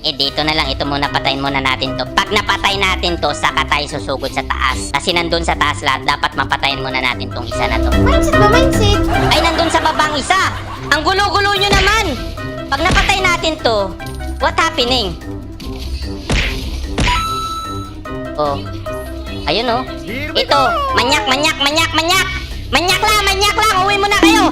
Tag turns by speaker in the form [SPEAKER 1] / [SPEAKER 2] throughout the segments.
[SPEAKER 1] dito na lang. Ito muna, patayin muna natin to. Pag napatay natin to, saka tayo susugod sa taas. Kasi nandun sa taas lahat, dapat mapatayin muna natin tong isa na to.
[SPEAKER 2] Mindset ba, mindset?
[SPEAKER 1] Ay, nandun sa babang isa. Ang gulo-gulo nyo naman. Pag napatay natin to, what happening? Oh. Ayun oh. Ito. Manyak. Manyak lang. Uwi mo na kayo.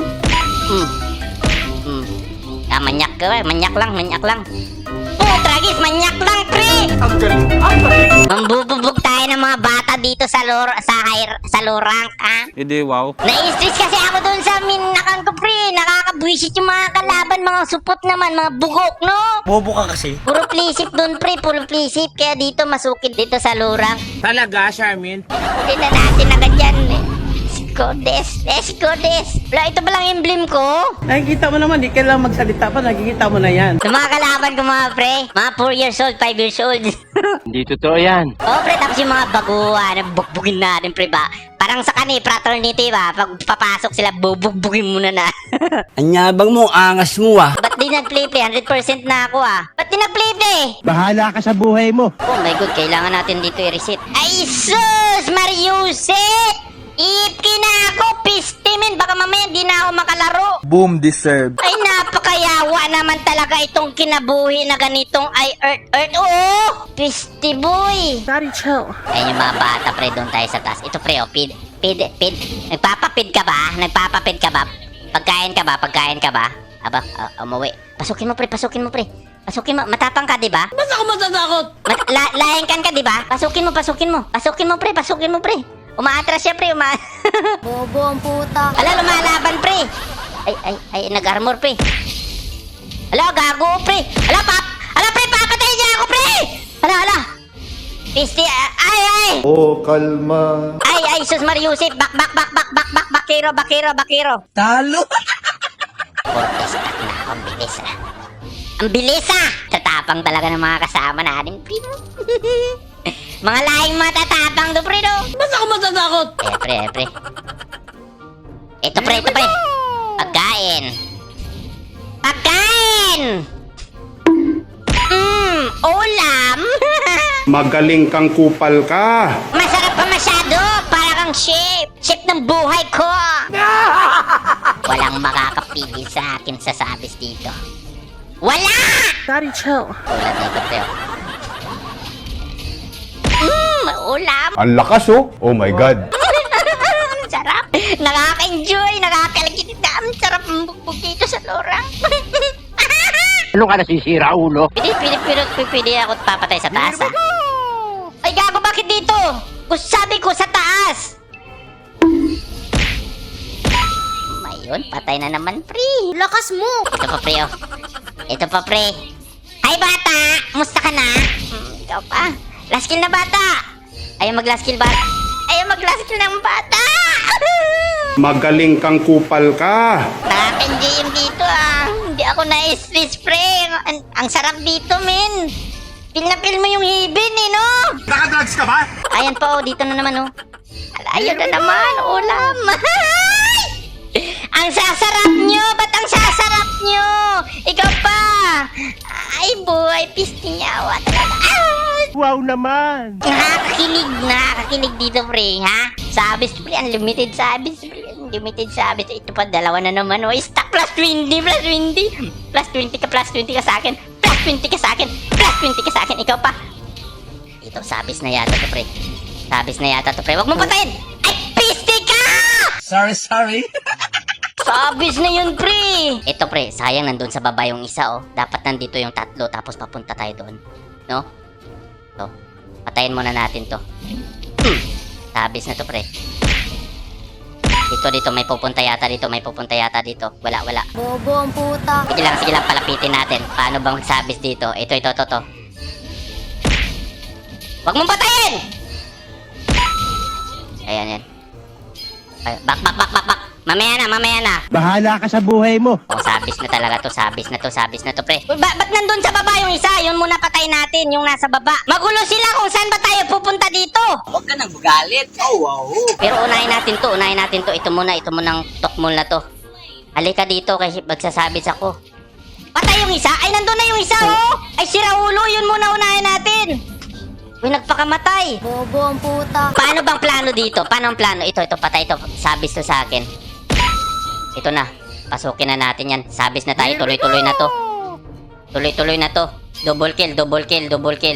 [SPEAKER 1] Manyak ka. Manyak lang. Oh, tragis. Manyak lang, pre. Mambububog tayo ng mga bata dito sa lorang, ha?
[SPEAKER 3] Hindi, wow.
[SPEAKER 1] Na-stress kasi ako doon sa minakan ko, pre. Nakakabwisit yung mga kalaban, mga supot naman, mga bugok, no?
[SPEAKER 4] Bobo ka kasi.
[SPEAKER 1] Puro plisip doon, pre. Puro plisip. Kaya dito, masukid dito sa lorang.
[SPEAKER 4] Talaga, Charmin?
[SPEAKER 1] Hindi na natin agad yan, eh. Let's go des. Wala, ito ba lang emblem ko?
[SPEAKER 5] Nakikita mo naman, di kailangan magsalita pa, nakikita mo na yan.
[SPEAKER 1] Sa mga kalaban ko, mga pre. Mga 4 years old, 5 years old.
[SPEAKER 3] Hindi totoo yan.
[SPEAKER 1] Oh, pre, tapos yung mga baguhan, bugbugin natin, pre, ba? Parang sa fraternity, ba? Pag papasok sila, bubugbugin muna na.
[SPEAKER 4] Anyabang mo, angas mo ah.
[SPEAKER 1] Ba't di nag-play-play? 100% na ako, ah. Ba't di nag-play-play?
[SPEAKER 4] Bahala ka sa buhay mo.
[SPEAKER 1] Oh my God, kailangan natin dito i-reset. Ay, sus! Mariuset! Ipki na ako, pistimin. Baka mamaya di na ako makalaro.
[SPEAKER 3] Boom deserve.
[SPEAKER 1] Ay, napakayawa naman talaga itong kinabuhi na ganitong ay earth. Oo! Pisti boy!
[SPEAKER 5] Daddy, chill.
[SPEAKER 1] Ayun yung mga bata, pre. Doon tayo sa taas. Ito, pre, oh. Pid. Nagpapapid ka ba? Pagkain ka ba? Aba, umuwi. Pasukin mo, pre. Pasukin mo. Matapang ka, di ba?
[SPEAKER 5] Ba't ako matatakot?
[SPEAKER 1] Laengkan ka, di ba? Pasukin mo, pre. Umaatras siya, pre.
[SPEAKER 2] Bobo ang puta.
[SPEAKER 1] Ala, lumalaban, pre. Ay, nag-armor, pre. Ala, gago, pre. Ala, pre, papatay niya ako, pre. Ala. Pisti, ay.
[SPEAKER 6] Oh, kalma.
[SPEAKER 1] Ay, sus Mariusip. Bakiro.
[SPEAKER 4] Talo.
[SPEAKER 1] Fortes attack na. Ang bilis, ah. Tatapang talaga ng mga kasama natin, pre. Mga laing matatapang do, pre, do.
[SPEAKER 5] Ba't ako matatakot?
[SPEAKER 1] Pre. Ito, pre. Pagkain. Ulam.
[SPEAKER 6] Magaling kang kupal ka.
[SPEAKER 1] Masarap pa masyado. Para kang chef ng buhay ko. Walang makakapigil sa akin sa sabis dito. Wala!
[SPEAKER 5] Daddy, chill.
[SPEAKER 1] Tulad nito, pre. Ulam.
[SPEAKER 6] Ang lakas oh. Oh my God.
[SPEAKER 1] Ang sarap. Nakaka-enjoy. Nakakalagit na. Ang sarap ng bugbog dito sa lorang.
[SPEAKER 4] Ano ka nasisira, ulo?
[SPEAKER 1] Pwede ako papatay sa taas, ah. Ay, gago, bakit dito? Sabi ko sa taas. Ayun, patay na naman, pre.
[SPEAKER 2] Lakas mo.
[SPEAKER 1] Ito pa, pre. Ay, bata! Musta ka na? Ikaw pa. Last kill na, bata! Ayaw mag-last kill ng bata!
[SPEAKER 6] Magaling kang kupal ka.
[SPEAKER 1] Nakaka-enjoy yung dito, ah. Hindi ako na-stress, pre. Ang sarap dito, men. Feel na feel mo yung hibin, eh, no?
[SPEAKER 4] Nakadrugs ka ba?
[SPEAKER 1] Ayan po, dito na naman, oh. Ayun na naman, ulam. Ang sasarap nyo! Ba't ang sasarap nyo? Ikaw pa! Ay, buhay, pisti niyawa talaga.
[SPEAKER 4] Wow naman.
[SPEAKER 1] Nakakakilig dito, pre, ha? Sabis, pre, unlimited sabis, pre. Unlimited sabis. Ito pa, dalawa na naman, oh. Stack plus 20. Plus 20 ka sa akin. Plus 20 ka sa akin. Ikaw pa. Ito, sabis na yata to, pre. Huwag mo patayin! Ay, pisti ka!
[SPEAKER 4] Sorry.
[SPEAKER 1] Sabis na yun, pre! Ito, pre, sayang nandun sa baba yung isa, oh. Dapat nandito yung tatlo, tapos papunta tayo doon. No? To. Patayin muna natin to. Sabis na to, pre. Dito, may pupunta yata dito. Wala.
[SPEAKER 2] Bobo ang puta.
[SPEAKER 1] Sige lang, palapitin natin. Paano bang magsabis dito? Ito. Huwag mong patayin! Ayan. Ay, back. Mamaya na.
[SPEAKER 4] Bahala ka sa buhay mo.
[SPEAKER 1] Oh, sabis na talaga to. Sabis na to, pre. Ba't nandun sa baba yung isa? Yun muna patay natin, yung nasa baba. Magulo sila kung saan ba tayo pupunta dito.
[SPEAKER 4] Huwag ka nang magalit. Oh, wow.
[SPEAKER 1] Pero unahin natin to. Ito munang tokmol na to. Halika dito kasi magsasabis ako. Patay yung isa? Ay, nandun na yung isa, oh! Ay, si sira ulo, yun muna unahin natin. Uy, nagpakamatay.
[SPEAKER 2] Bobo ang puta.
[SPEAKER 1] Paano bang plano dito? Paano ang plano? Ito, patay ito. Sabis to sa akin. Ito na. Pasukin na natin yan. Sabis na tayo. Tuloy-tuloy na to. Tuloy-tuloy na to. Double kill, double kill, double kill.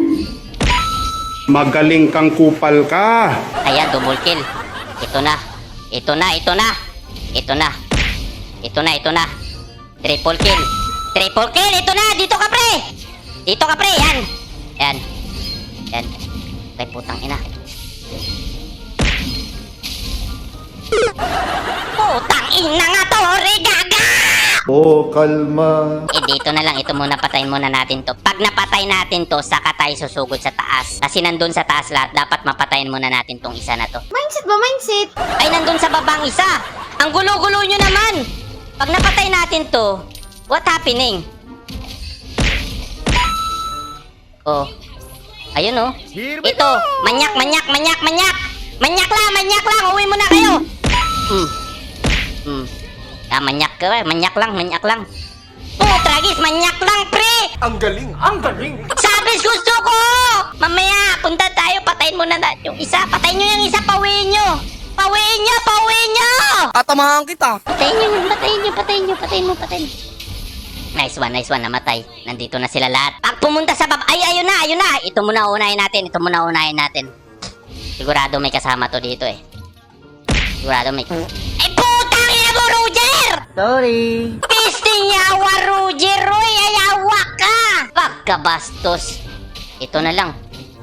[SPEAKER 6] Magaling kang kupal ka.
[SPEAKER 1] Ayan, double kill. Ito na. Ito na, ito na. Ito na. Ito na, ito na. Triple kill. Triple kill. Ito na. Dito ka, pre. Dito ka, pre. Yan. Yan. Yan. Ay, putang ina. Putang ina nga to, regaga!
[SPEAKER 6] Oh, kalma.
[SPEAKER 1] Dito na lang. Ito muna, patayin muna natin to. Pag napatay natin to, saka tayo susugod sa taas. Kasi nandun sa taas lahat, dapat mapatayin muna natin tong isa na to.
[SPEAKER 2] Mindset ba, mindset?
[SPEAKER 1] Ay, nandun sa babang isa. Ang gulo-gulo nyo naman. Pag napatay natin to, what happening? Oh. Ayun oh. Ito. Manyak, manyak, manyak, manyak. Manyak lang, manyak lang. Uwi mo na kayo. Manyak ka. Manyak lang, manyak lang. Oh, tragis. Manyak lang, pre.
[SPEAKER 6] Ang galing, ang galing.
[SPEAKER 1] Sabis gusto ko! Mamaya, punta tayo, patayin muna natin yung isa. Patayin nyo yung isa, pawiin nyo! Pawiin nyo, pawiin nyo!
[SPEAKER 4] Tatamahan kita.
[SPEAKER 1] Patayin nyo, patayin nyo, patayin nyo, patayin mo, patayin. Nice one, namatay. Nandito na sila lahat. Pag pumunta sa ay, ayun na, ayun na! Ito muna unahin natin, ito muna unahin natin. Sigurado may kasama to dito eh. Sigurado may... Ay, putang ina mo, Roger!
[SPEAKER 5] Sorry.
[SPEAKER 1] Pisting yawa, Roger! Roy, ayawa ka! Pagkabastos. Ito na lang.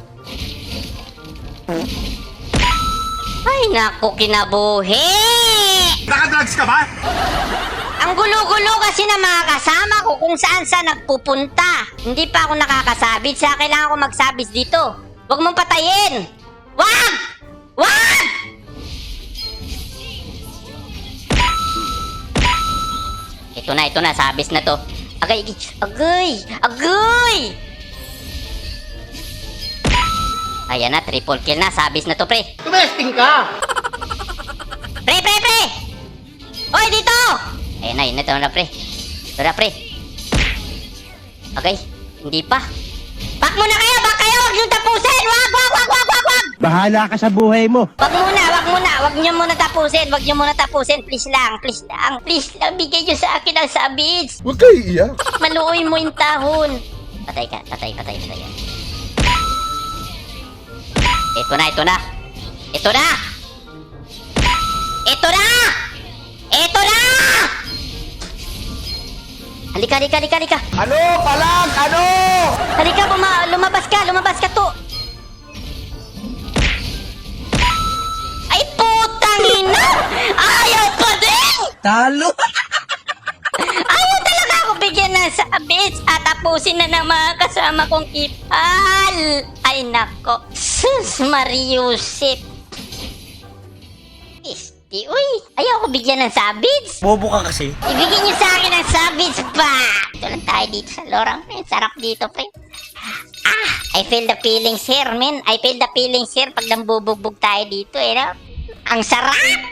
[SPEAKER 1] Ay, naku, kinabuhi!
[SPEAKER 6] Nakadrugs ka ba?
[SPEAKER 1] Ang gulo-gulo kasi na mga kasama ko kung saan nagpupunta. Hindi pa ako nakakasabit. Sa kailangan ko magsabis dito. Huwag mong patayin! Wag! Wag! Ito na, sabis na to. Agay, agay, agay! Ayan na, triple kill na, sabis na to, pre.
[SPEAKER 4] Tumesting ka.
[SPEAKER 1] Pre! Hoy, dito! Ayan na, yun na, ito na, pre. Ito na, pre. Agay, hindi pa. Back muna kayo, huwag nyo tapusin! Wag!
[SPEAKER 4] Bahala ka sa buhay mo.
[SPEAKER 1] Wag nyo muna tapusin, please lang, bigay nyo sa akin ang sabits.
[SPEAKER 6] Huwag kayo iiyak.
[SPEAKER 1] Maluoy mo yung tahon. Patay ka. Ito na. Halika.
[SPEAKER 4] Ano? Palag! Ano?
[SPEAKER 1] Halika, lumabas ka to. Ay, putang ina! Ayaw pa din!
[SPEAKER 4] Talo.
[SPEAKER 1] Ayaw talaga ako bigyan ng sabits at tapusin na ng mga kasama kong ipal. Ay, nako. Sus, Mariusip. Uy, ayaw ko bigyan ng sabits.
[SPEAKER 4] Bobo ka kasi.
[SPEAKER 1] Ibigyan niyo sa akin ang sabits ba? Ito lang tayo dito sa lorang. Sarap dito, pre. I feel the feelings here, man. I feel the feelings here pag nambubugbog tayo dito, no? Ang sarap!